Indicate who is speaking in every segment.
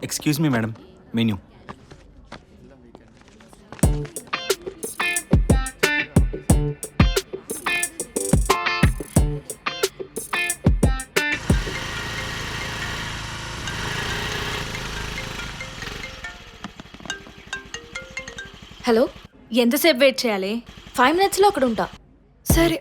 Speaker 1: Excuse me madam, menu.
Speaker 2: Hello,
Speaker 3: ఎంతసేపు wait చేయాలి?
Speaker 2: 5 minutesలో అక్కడ ఉంటా.
Speaker 3: సరే.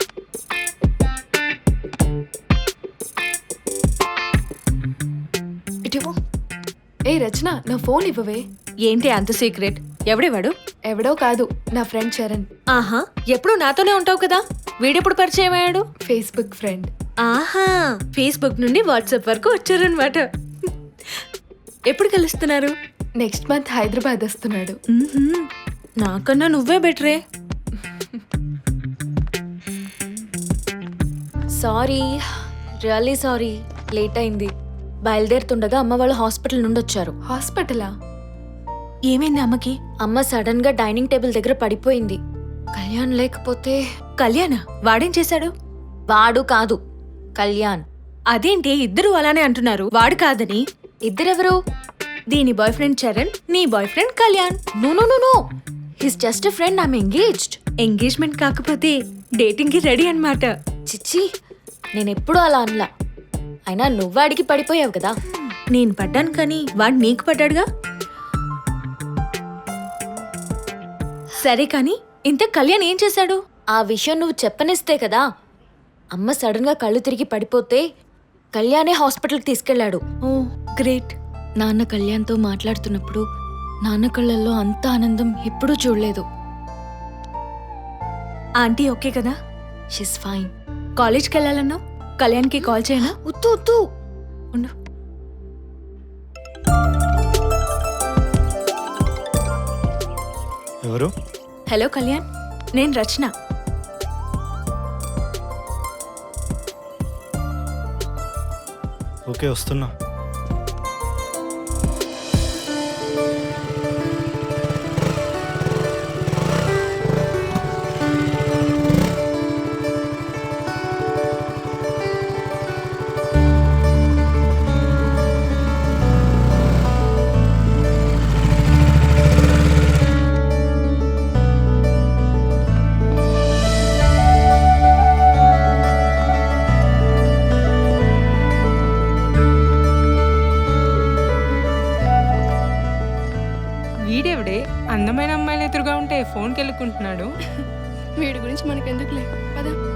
Speaker 4: ఇటివో. ఏ రచన, నా ఫోన్ ఇవ్వవే.
Speaker 3: ఏంటి అంత సీక్రెట్? ఎవడేవాడు?
Speaker 4: ఎవడో కాదు, నా ఫ్రెండ్ చరణ్.
Speaker 3: ఆహా, ఎప్పుడు నాతోనే ఉంటావు కదా, వీడెప్పుడు పరిచయం అయ్యాడు?
Speaker 4: Facebook friend.
Speaker 3: ఆహా, ఫేస్బుక్ నుండి వాట్సాప్ వరకు వచ్చారనమాట. ఎప్పుడు కలుస్తున్నారు?
Speaker 4: నెక్స్ట్ మంత్ హైదరాబాద్ వస్తున్నాడు.
Speaker 3: నాకన్నా నువ్వే బెటరే.
Speaker 2: సారీ, రియల్లీ సారీ, లేట్ అయింది. బయలుదేరుతుండగా అమ్మ వాళ్ళు హాస్పిటల్ నుండి వచ్చారు.
Speaker 4: హాస్పిటలా?
Speaker 3: ఏమైంది అమ్మకి?
Speaker 2: అమ్మ సడన్ గా డైనింగ్ టేబుల్ దగ్గర పడిపోయింది. కళ్యాణ్ లేకపోతే.
Speaker 3: కళ్యాణ? వాడేం చేశాడు?
Speaker 2: వాడు కాదు, కళ్యాణ్.
Speaker 3: అదేంటి ఇద్దరు అలానే అంటున్నారు, వాడు కాదని?
Speaker 2: ఇద్దరెవరు?
Speaker 3: దీని బాయ్ ఫ్రెండ్ చరణ్, నీ boy friend Kalyan.
Speaker 2: No no no no, his just a friend. I'm engaged.
Speaker 3: Engagement కాకపోతే డేటింగ్ కి రెడీ అన్నమాట.
Speaker 2: చిచ్చి, నేనెప్పుడు అలా అనలా. అయినా నువ్వు అడిగి పడిపోయావు కదా.
Speaker 3: నేను పడ్డాను కానీ వాడు నీకు పడ్డాడుగా. సరే కానీ ఇంత కళ్యాణ్ ఏం చేశాడు?
Speaker 2: ఆ విషయం నువ్వు చెప్పనిస్తే కదా. అమ్మ సడన్ గా కళ్ళు తిరిగి పడిపోతే కళ్యాణే హాస్పిటల్కి తీసుకెళ్లాడు.
Speaker 3: Oh great.
Speaker 2: నాన్న కళ్యాణ్తో మాట్లాడుతున్నప్పుడు నాన్న కళ్ళల్లో అంత ఆనందం ఎప్పుడూ చూడలేదు.
Speaker 3: ఆంటీ ఓకే కదా?
Speaker 2: She's fine.
Speaker 3: కాలేజ్కి వెళ్ళాలన్నావు, కళ్యాణ్కి కాల్ చేయనా?
Speaker 2: ఉత్తు ఉత్తు
Speaker 3: ఉండు.
Speaker 1: ఎవరు?
Speaker 3: హలో కళ్యాణ్, నేను రచన.
Speaker 1: ఓకే, వస్తున్నా.
Speaker 5: వీడెవడే అందమైన అమ్మాయిలు ఎదురుగా ఉంటే ఫోన్కి వెళ్ళుకుంటున్నాడు.
Speaker 4: వీడి గురించి మనకెందుకులే, పద.